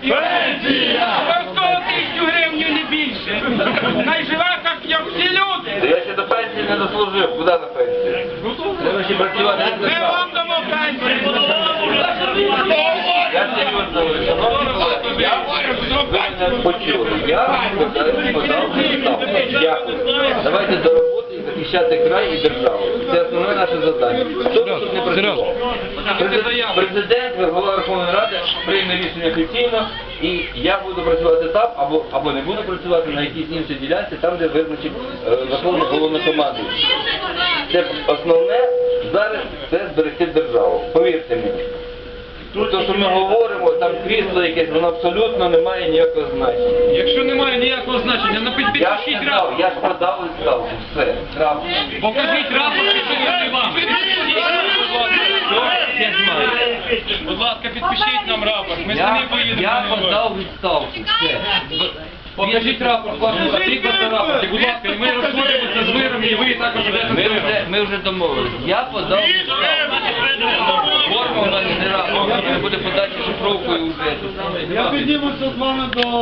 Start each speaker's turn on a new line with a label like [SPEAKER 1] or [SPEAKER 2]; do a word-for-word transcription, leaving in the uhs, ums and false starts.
[SPEAKER 1] Пенсія!
[SPEAKER 2] Обов'язково тисячу гривень, не більше. Найживе, так, як всі люди.
[SPEAKER 3] Я ще до пенсії не дослужив. Куди на пенсію? Треба ще працювати.
[SPEAKER 2] Ми вам дамо пенсію.
[SPEAKER 3] Я серйозно говорю, шановні колеги, я ви мене почули. Я подав відставку. Дякую. Давайте до роботи і захищати край і державу. Це основне наше завдання. Хто б тут не працював? Президент, президент, голова Верховної Ради прийме рішення офіційно, і я буду працювати там, або, або не буду працювати на якійсь іншій ділянці, там, де визначить е, Верховний Головнокомандуючий. Це основне зараз це зберегти державу. Повірте мені. То, що ми говоримо, там крісло якесь, воно абсолютно не має ніякого значення.
[SPEAKER 1] Якщо немає ніякого значення, напишіть
[SPEAKER 3] Я ж
[SPEAKER 1] підпишіть
[SPEAKER 3] сказав,
[SPEAKER 1] рапорт.
[SPEAKER 3] я ж подав відставку, все, крапка.
[SPEAKER 1] Покажіть рапорт, підпишіть вам. Я знаю. Будь ласка, підпишіть нам рапорт. Ми
[SPEAKER 3] Я,
[SPEAKER 1] самі поїдемо.
[SPEAKER 3] я подав відставку, все.
[SPEAKER 1] Покажіть рапорт, вашу наприклад, рапорт. І, будь ласка, і ми розходимося з миром, і ви також
[SPEAKER 3] Ми
[SPEAKER 1] будете з
[SPEAKER 3] вже,
[SPEAKER 1] миром.
[SPEAKER 3] ми вже домовились. Я подав відставку. Форма в мене не рапорт, буде подача шифровкою вже.
[SPEAKER 4] Я піднімуся з вами до